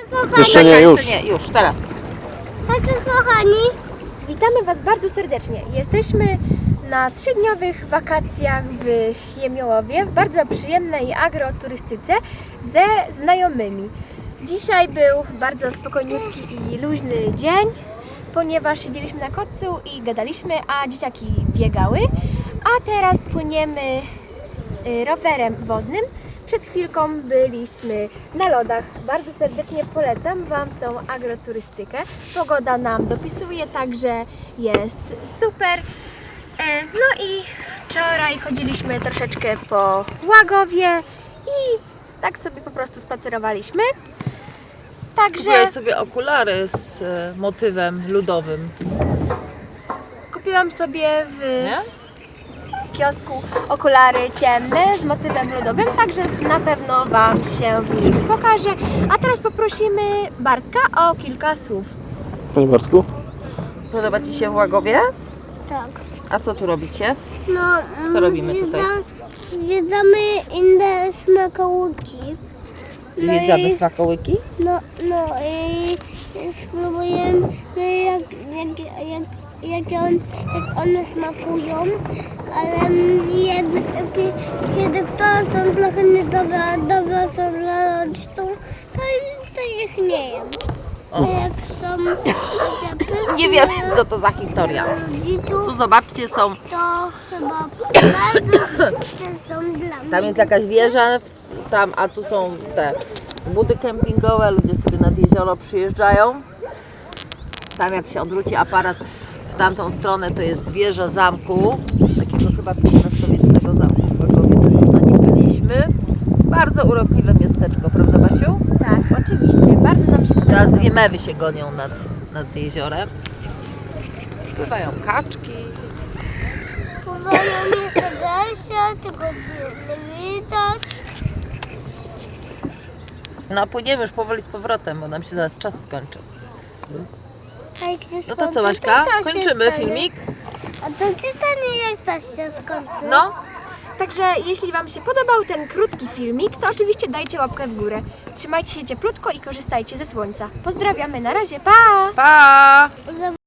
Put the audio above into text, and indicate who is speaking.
Speaker 1: kochani.
Speaker 2: Jeszcze nie, już.
Speaker 3: Jeszcze nie, już, teraz.
Speaker 1: Hejka, kochani.
Speaker 4: Witamy Was bardzo serdecznie. Jesteśmy na 3-dniowych wakacjach w Jemiołowie, w bardzo przyjemnej agroturystyce ze znajomymi. Dzisiaj był bardzo spokojniutki i luźny dzień, ponieważ siedzieliśmy na kocu i gadaliśmy, a dzieciaki biegały. A teraz płyniemy rowerem wodnym. Przed chwilką byliśmy na lodach. Bardzo serdecznie polecam Wam tą agroturystykę. Pogoda nam dopisuje, także jest super. No i wczoraj chodziliśmy troszeczkę po Łagowie i tak sobie po prostu spacerowaliśmy. Także
Speaker 3: Kupiłaś sobie okulary z motywem ludowym,
Speaker 4: kupiłam sobie w
Speaker 3: nie?
Speaker 4: kiosku okulary ciemne z motywem lodowym, także na pewno Wam się w nich pokażę. A teraz poprosimy Bartka o kilka słów.
Speaker 2: Panie Bartku?
Speaker 3: Podoba Ci się w Łagowie?
Speaker 1: Tak.
Speaker 3: A co tu robicie?
Speaker 1: No,
Speaker 3: Co robimy tutaj?
Speaker 1: Zwiedzamy inne smakołyki.
Speaker 3: Zwiedzamy smakołyki?
Speaker 1: No i spróbujemy jak one smakują, ale kiedy to są trochę niedobre, a dobre są dla rodziców, to ich nie jem. A jak są takie pyszne
Speaker 3: Nie wiem, co to za historia. Tu
Speaker 1: rodziców,
Speaker 3: zobaczcie, są,
Speaker 1: to chyba bardzo pyszne są dla mnie.
Speaker 3: tam jest jakaś wieża, tam, a tu są te budy kempingowe, ludzie sobie nad jezioro przyjeżdżają. Tam jak się odwróci aparat w tamtą stronę, to jest wieża zamku, takiego chyba XV-wiecznego zamku w Łagowie, też już na nim byliśmy. Bardzo urokliwe miasteczko, prawda Basiu?
Speaker 4: Tak, oczywiście, bardzo nam się
Speaker 3: Teraz
Speaker 4: podoba.
Speaker 3: dwie mewy się gonią nad jeziorem. Pływają kaczki.
Speaker 1: Pływają jeszcze desie, tylko nie widać.
Speaker 3: No płyniemy już powoli z powrotem, bo nam się zaraz czas skończy.
Speaker 1: A jak się
Speaker 3: No to
Speaker 1: skończy,
Speaker 3: co Baśka?
Speaker 1: to się
Speaker 3: Kończymy
Speaker 1: stanie.
Speaker 3: filmik?
Speaker 1: A to się stanie, jak to się skończy?
Speaker 3: No.
Speaker 4: Także jeśli Wam się podobał ten krótki filmik, to oczywiście dajcie łapkę w górę. Trzymajcie się cieplutko i korzystajcie ze słońca. Pozdrawiamy, na razie, pa!
Speaker 3: Pa!